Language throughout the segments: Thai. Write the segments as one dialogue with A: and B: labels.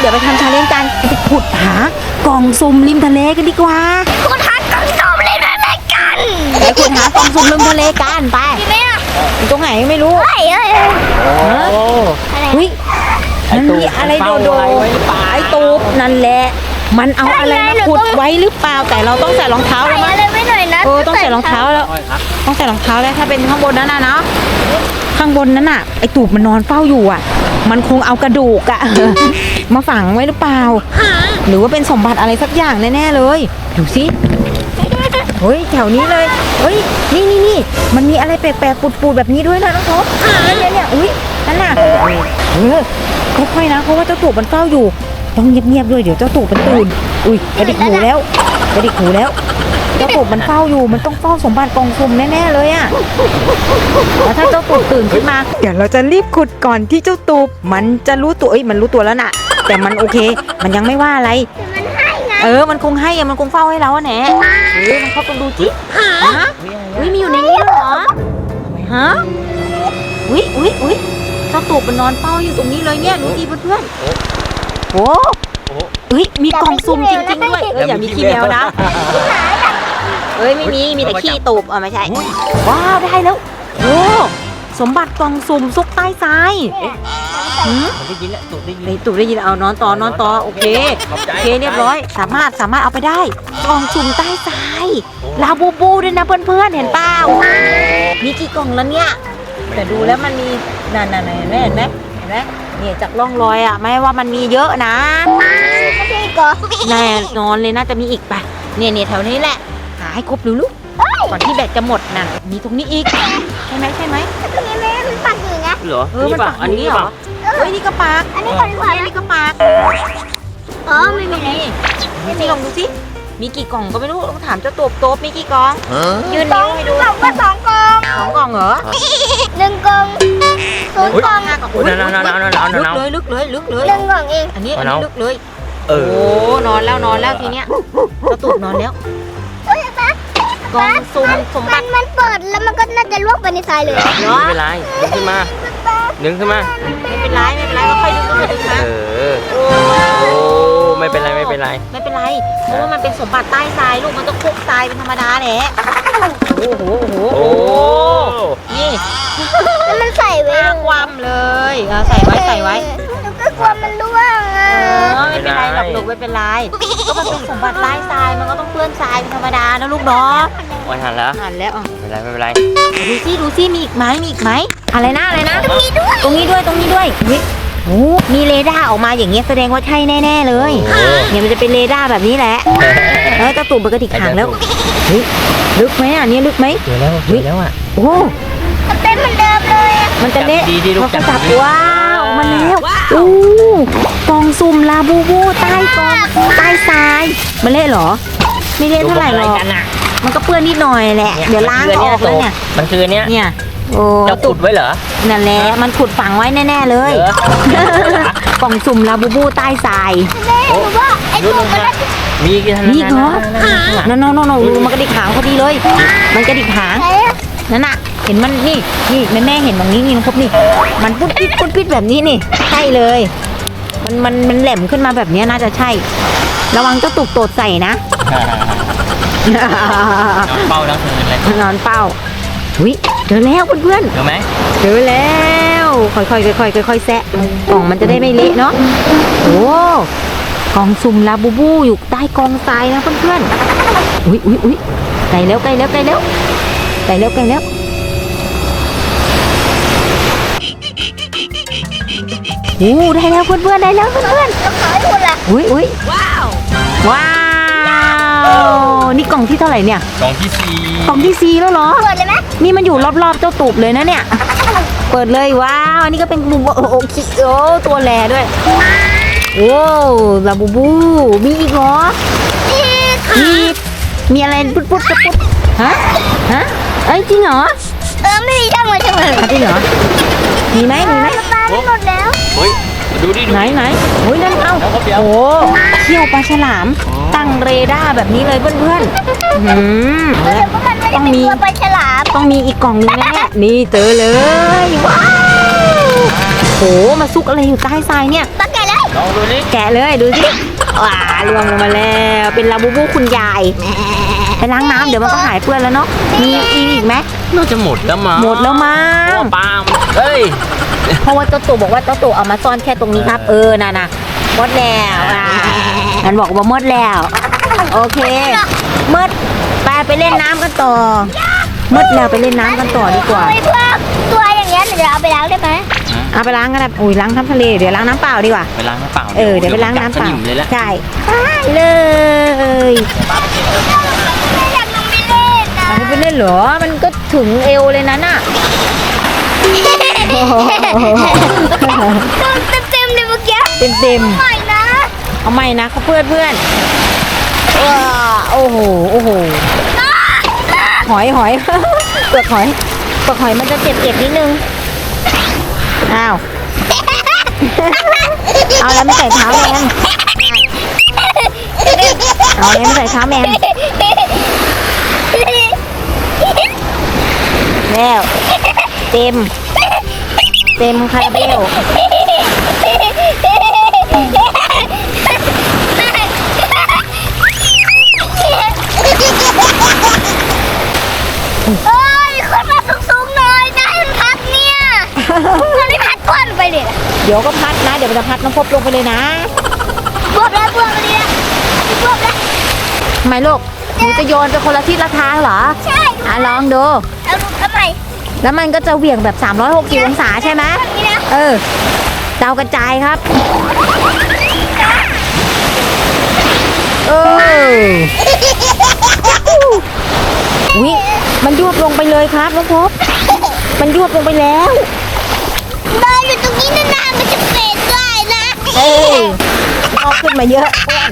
A: เดี๋ยวไปทำชาเลนจ์กันไปขุดหากล่องสุ่มริมทะเลกันดีกว่าขุดหากล่องสุ่มริมทะเลกันไปขุดหากล่องสุ่มริมทะเลกันไปอยู่ตรงไหนไม่รู้เฮ้ยมันมีอะไรโดดไอ้ตูบนั่นแหละมันเอาอะไรมาขุดไว้หรือเปล่าแต่เราต้องใส่รองเท้าแล้วมั้ยต้องใส่รองเท้าแล้วต้องใส่รองเท้าแล้วถ้าเป็นข้างบนนั้นนะข้างบนนั้นน่ะไอ้ตูบมันนอนเฝ้าอยู่อ่ะมันคงเอากระดูกอะมาฝังไว้หรือเปล่าหรือว่าเป็นสมบัติอะไรสักอย่างแน่ๆเลยดูสิเฮ้ยแถวนี้เลยเฮ้ยนี่มันมีอะไรแปลกๆปูดๆแบบนี้ด้วยนะน้องทบเนี่ยอุ้ยนั่นน่ะค่อยๆนะเพราะว่าเจ้าตูบมันเฝ้าอยู่ต้องเงียบๆด้วยเดี๋ยวเจ้าตูบมันตื่นอุ้ยกระดิกหูแล้วเจ้าตูบมันเฝ้าอยู่มันต้องเฝ้าสมบัติกองสุ่มแน่ๆเลยอะแล้วถ้าเจ้าตูบตื่นขึ้นมาเดี๋ยวเราจะรีบขุดก่อนที่เจ้าตูบมันจะรู้ตัวมันรู้ตัวแล้วน่ะแต่มันโอเคมันยังไม่ว่าอะไรมันคงให้มันคงเฝ้าให้เราแน่มันเข้าไปดูจิมีอยู่ในนี้เหรอฮะอุ้ยเจ้าตูบมันนอนเฝ้าอยู่ตรงนี้เลยเนี่ยดูดิเพื่อนโอ้มีกล่องซุ่มจริงๆด้วยอย่ามีขี้แมวนะไม่มีแต่ขี้ตูบไม่ใช่ว้าวได้แล้วโอ้สมบัติกล่องซุ่มซุกใต้ทราย
B: ได้ยินแล้วตูบได้
A: ยินเอานอนต่อโอเคเรียบร้อยสามารถเอาไปได้กล่องซุ่มใต้ทรายลาบูบูด้วยนะเพื่อนๆเห็นเปล่ามีกี่กล่องแล้วเนี่ยแต่ดูแล้วมันมีนั่นเห็นไหมเนี่ยจากร่องรอยอ่ะไม่ว่ามันมีเยอะนะแน่นอนเลยน่าจะมีอีกป่ะเนี่ยแถวนี้แหละหาให้ครบลูกก่อนที่แบตจะหมดน่ะมีตรงนี้อีกใช่ไหมตรงนี้มันปักอยู่นะ
B: เหรอ
A: มันปักอันนี้เหรอนี่ก็ปักอันนี้นี่ก็ปักไม่มีนี่ลองดูสิมีกี่กล่องก็ไม่รู้ต้องถามเจ้าโต๊บมีกี่กล่องยืนนิ้วให้ดู
C: ว่า2 กล่อง
A: 2 กล่องเหรอ
C: 1 กล่อง0 กล่อง
A: 5 กล่องลึกเลย
C: 1 กล่องเอง
A: อันนี้ลึกเลยโอ้นอนแล้วทีเนี้ยเจ้าตูบนอนแล้วกล่องสุ่มสมบัติ
C: มันเปิดแล้วมันก็น่าจะลวกไปในทรายเลย
B: ไม่เป็นไรดึงขึ้นมา
A: ไม่เป็นไรก็ค่อยดึงมา
B: ไม่เป็นไร
A: เพราะว่ามันเป็นสมบัติใต้ทรายลูกมันต้องคลุกทรายเป็นธรรมดาแหละโอ้โหนี่
C: มันใส่ไว้
A: ความเลยใส่ไว้
C: ก็กลัวมันร่วง
A: ไม่เป็นไรหรอกลูกไม่เป็นไรก็มันเป็นสมบัติใต้ทรายมันก็ต้องเปื้อนทรายเป็นธรรมดานะลูกเนาะ
B: หันแล้ว
A: ไม่เป็นไรดูซิมีอีกไหมอะไรนะตรงนี้ด้วยโอ้มีเรดาร์ออกมาอย่างเงี้ยแสดงว่าใช่แน่ๆเลยเนี่ยมันจะเป็นเรดาร์แบบนี้แหละเจ้าตูบมันกระดิกหางแล้วลึกไหมเนี่ยลึกไหม
B: เจอแล้ว
A: โอ้
C: มันเป็นเหมือนเดิมเลย
A: มันจะเละ
B: เขา
A: จับว้าวมันแล้วกล่องสุ่มลาบูบูใต้ทรายมันเละเหรอไม่เละเท่าไหร่หรอกมันก็เปื้อนนิดหน่อยแหละเดี๋ยวล้างออกแล้วเนี่ย
B: มันคือเนี้ย
A: โอ้
B: จะขุดไว้เหรอ
A: นั่นแหละมันขุดฝังไว้แน่ๆเลยกล่องสุ่มลาบูบูใต้ทราย
C: หรือว่าไอ้ตัวมัน
B: มีกี่
A: ท่านนี่เหรอน้องมันกระดิกหางพอดีเลยมันกระดิกหางนั่นน่ะเห็นมันนี่แม่เห็นตรงนี้นี่น้องพบนี่มันพุดปิดแบบนี้นี่ใช่เลยมันแหลมขึ้นมาแบบนี้น่าจะใช่ระวังเจ้าตูบโตดใส่นะ
B: นอนเป้าทั้งคืนเลย
A: นอนเป้าเจอแล้วเพื่อน
B: เจอไหม
A: เจอแล้วค่อยๆแซะกล่องมันจะได้ไม่เละเนาะโอ้กล่องสุ่มลาบูบูอยู่ใต้กองทรายนะเพื่อนๆอุ้ยใกล้แล้วโอ้ได้แล้วเพื่อนๆ
C: แล้วขายหมดละ
A: อุ้ยว้าวนี่กล่องที่เท่าไหร่เนี่ย
B: กล่องที่
A: 4แล้วเหรอ
C: เปิดเลยไหม
A: นี่มันอยู่รอบๆเจ้าตูบเลยนะเนี่ยเปิดเลยว้าวอันนี้ก็เป็นบูบูโอ้ตัวแหล่ด้วยโอ้ลาบูบูมีอีกเหรอมีอะไรปุ๊ดฮะจริงเหรอ
C: ไม่มีช่างเลยจ
A: ริงเหรอมีไหม
C: ปลาไม่หมดแล้ว
B: ดูดิ
A: ไหนนั่นโอ้เขี้ยวปลาฉลามตั้งเรดาร์แบบนี้เลยเพื่อน
C: ต้องมีปลาฉลาม
A: ต้องมีอีกกล่องนึงแน่นี่เจอเลยว้าวโหมาซุกอะไรอยู่ใต้ทรายเนี่ย
C: ปลาแก่เลย
B: ลองดูนี่
A: แกะเลยดูสิว้าล่วงลงมาแล้วเป็นลาบูบูคุณยายไปล้างน้ำเดี๋ยวมันก็หายเปื้อนแล้วเนาะมีอีกไหม
B: น่าจะหมดแล้วมั้ง
A: หมดแล้วมั้ง
B: ปลาเฮ้ย
A: เพราะว่าเจ้าตู่บอกว่าเจ้าตู่เอามาซ่อนแค่ตรงนี้ครับน่ะหมดแล้วมันบอกว่าหมดแล้วโอเคหมดไปเล่นน้ำกันต่อหมดแล้วไปเล่นน้ำกันต่อดีกว่า
C: ไอ้พวกตัวอย่างเงี้ยเดี๋ยวเอาไปล้างได้ไหม
A: เอาไปล้างกันนะอุ้ยล้างน้ำทะเลเดี๋ยวล้างน้ำเปล่าดีกว่า
B: ไปล้างน้ำเปล่า
A: เดี๋ยวไปล้างน้ำเปล่า
B: สนิมเลยละ
A: ใช่ได้เลย
C: อยากลงไปเล่นนะ
A: มันไปเล่นเหรอมันก็ถึงเอวเลยนะน่ะ
C: โดนเต็มๆเลยเมื่อกี้
A: เต็ม
C: หน่อยนะ
A: เอาใหม่นะเพื่อนว้าโอ้โหหอย เปลือกหอยมันจะเจ็บนิดนึงอ้าวเอาแล้วไม่ใส่เท้าแมนเอาแล้วไม่ใส่เท้าแมนแล้วเต็มคาราเบล
C: เอ้ยขึ้นมาสูงๆหน่อยนะให้มันพัดเนี่ยมันไม่พัดก้อนไปเลยนะ
A: เดี๋ยวก็พัดนะเดี๋ยวมันจะพัดน้องพบลงไปเลยนะ
C: บวบแล้วบวบมาดีนะบวบแล้ว
A: ทำไมลูกหนูจะโยนไปคนละทิศละทางเหรอ
C: ใช่
A: ลองดู
C: เอาลูกทำไม
A: แล้วมันก็จะเหวี่ยงแบบ360องศาใช่ไหม
C: นี่นะ
A: ดาวกระจายครับวิมันยวบลงไปเลยครับน้องพบมันยวบลงไปแล้ว
C: นอนอยู่ตรงนี้นานๆมันจะเป็นได้นะ
A: งอกขึ้นมาเยอะ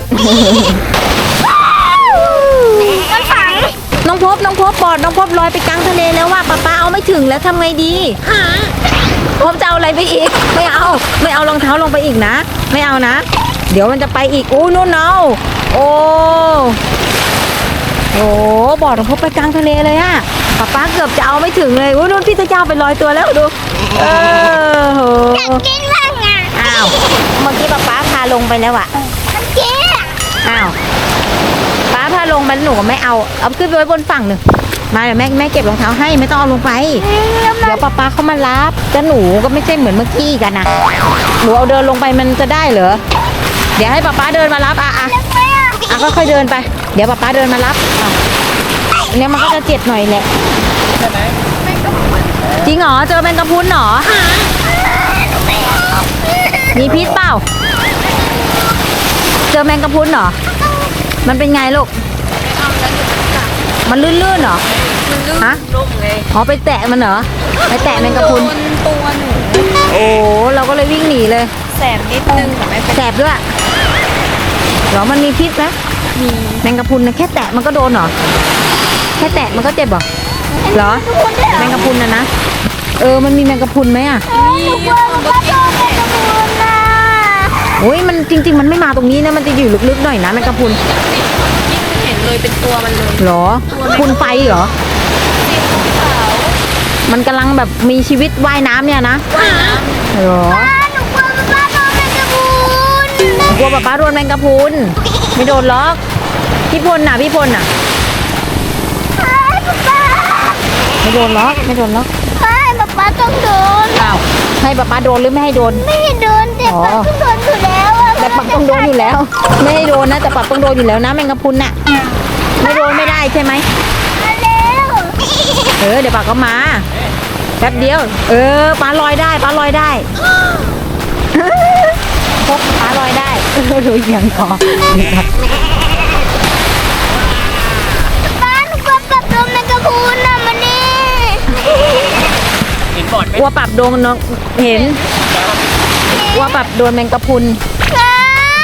C: มันฝัง
A: น้องพบปอดน้องพบลอยไปกลางทะเลแล้วว่าป้าเอาไม่ถึงแล้วทำไงดีพบจะเอาอะไรไปอีกไม่เอารองเท้าลงไปอีกนะไม่เอานะเดี๋ยวมันจะไปอีกอู้นู่นเอาโอ้บอดน้องพบไปกลางทะเลเลยอะป้าเกือบจะเอาไม่ถึงเลยอู้นู่นพี่ตะเจ้าไปลอยตัวแล้วดูโห
C: อยากกินบ้างอ่ะ
A: อ้าวเมื่อกี้ป้าพาลงไปแล้วอะ
C: มันเจ๊อะ
A: อ้าวป้าพาลงมันหนูก็ไม่เอาขึ้นไปไว้บนฝั่งหนึ่งมาเดี๋ยวแม่เก็บรองเท้าให้ไม่ต้องเอาลงไปเดี๋ยวป้าเขามารับแต่หนูก็ไม่ใช่เหมือนเมื่อกี้กันนะหนูเอาเดินลงไปมันจะได้เหรอเดี๋ยวให้ป้าเดินมารับ
C: แล้วไหมอ่ะ
A: ค่อยๆเดินไปเดี๋ยวป้าเดินมารับเนี่ยมันก็จะเจ็บหน่อยแหละจริงเหรอเจอแมงกะพรุนเหรอมีพิษเปล่าเจอแมงกะพรุนเหรอมันเป็นไงลูกมันลื่นๆเหรอฮะอ๋อไปแตะมันเหรอไปแตะแมงกะพรุนตัวหนูโอ้เราก็เลยวิ่งหนีเลยแสบนิดนึงแต่ไม่เป็นแสบด้วยเหรอมันมีพิษไหมมีแมงกะพรุนนะแค่แตะมันก็โดนเหรอแค่แตะมันก็เจ็บเหรอเหรอแมงกะพรุนนะมันมีแมงกะพรุนไหมอ่ะ
C: ทุกคนมันก็โดนแมงกะพรุนนะ
A: โอ้ยมันจริงๆมันไม่มาตรงนี้นะมันจะอยู่ลึกๆหน่อยนะแมงกะพรุน
D: เห็นเลยเป็นตัวมันเลย
A: เหรอพรุนไฟเหรอมันกำลังแบบมีชีวิตว่ายน้ำเนี่ยนะเหรอ
C: หนูกลัวมันบ้าโดนแมงกะพรุน
A: กลัวป้าโดนแมงกะพรุนไม่โดนหรอกพี่พลน่ะ
C: ป้า
A: ไม่โดนหรอก
C: ป้าต้องโดน
A: อ้าวให้ป้าโดนหรือไม่ให้โดน
C: ไม่ให้โดนแต่ป้าต้องโดนอยู่แล้วอะ
A: แต่ปักต้องโดนอยู่แล้ว ไม่ให้โดนนะแต่ปักต้องโดนอยู่แล้วนะแมงกะพรุนน่ะไม่โดนไม่ได้ใช่ไหม
C: มาแล้ว
A: เดี๋ยวปักก็มาแป๊บเดียวป้าลอยได้พบป้าลอยได้รู้ยังก่อน
C: ป้าหนูกลัวปับโดนแมงกะพรุนน่ะมานี่
B: เห็นบอดไหม
A: กลัวปรับโดนน้องเห็นกลัวปรับโดนแมงกะพรุน
C: ป้า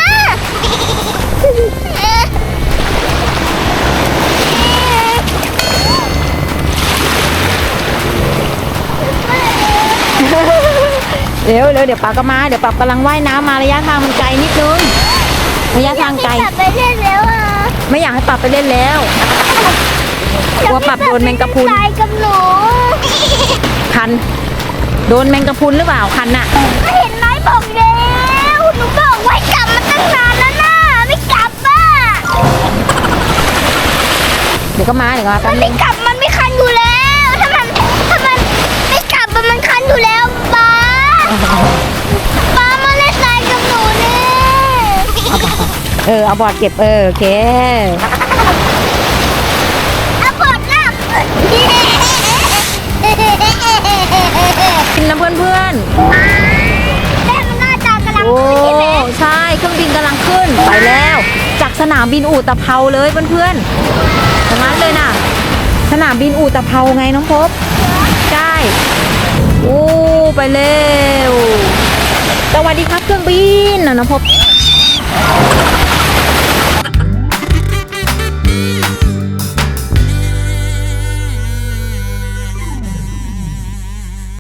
A: เดี๋ยวป้าก็มาเดี๋ยวป้ากำลังว่ายน้ำมาระยะทางมันไกลนิดนึงระยะทางไกล
C: อยากไปเล่นแล้วอ่ะ
A: ไม่อยากให้ป้าไปเล่นแล้วกลัวปรับโดนแมงกะพรุน
C: ตายกับหนู
A: คันโดนแมงกะพรุนหรือเปล่าคันน่ะ
C: เห็นไหมบอกแล้วนูบอกไว้กลับมาตั้งนานแล้วนะไม่กลับอ่ะ
A: เดี๋ยวก็มา
C: มั
A: แป๊บ
C: น
A: นึ
C: ไม่
A: ง
C: กลับมันไม่คันอยู่แล้วถ้ามันไม่กลับมันคันอยู่แล้วป้ามาเล่นทรายกับหนูเนี่ย
A: เอาบอร์ดเก็บโอเค
C: เอาบอดหน้า
A: กินน้ำเพื่อน
C: แม่มันหน้าตากำลั
A: ๆ
C: ง
A: โอ้
C: ขึ้นใช่ไหม
A: ใช่เครื่องบินกำลังขึ้นไปแล้ว จากสนามบินอู่ตะเภาเลยเพื่อนๆตรงนั้นเลยน่ะ สนามบินอู่ตะเภาไงน้องพบใช่โอ้ไปเร็วสวัสดีครับเครื่องบินน้องพบ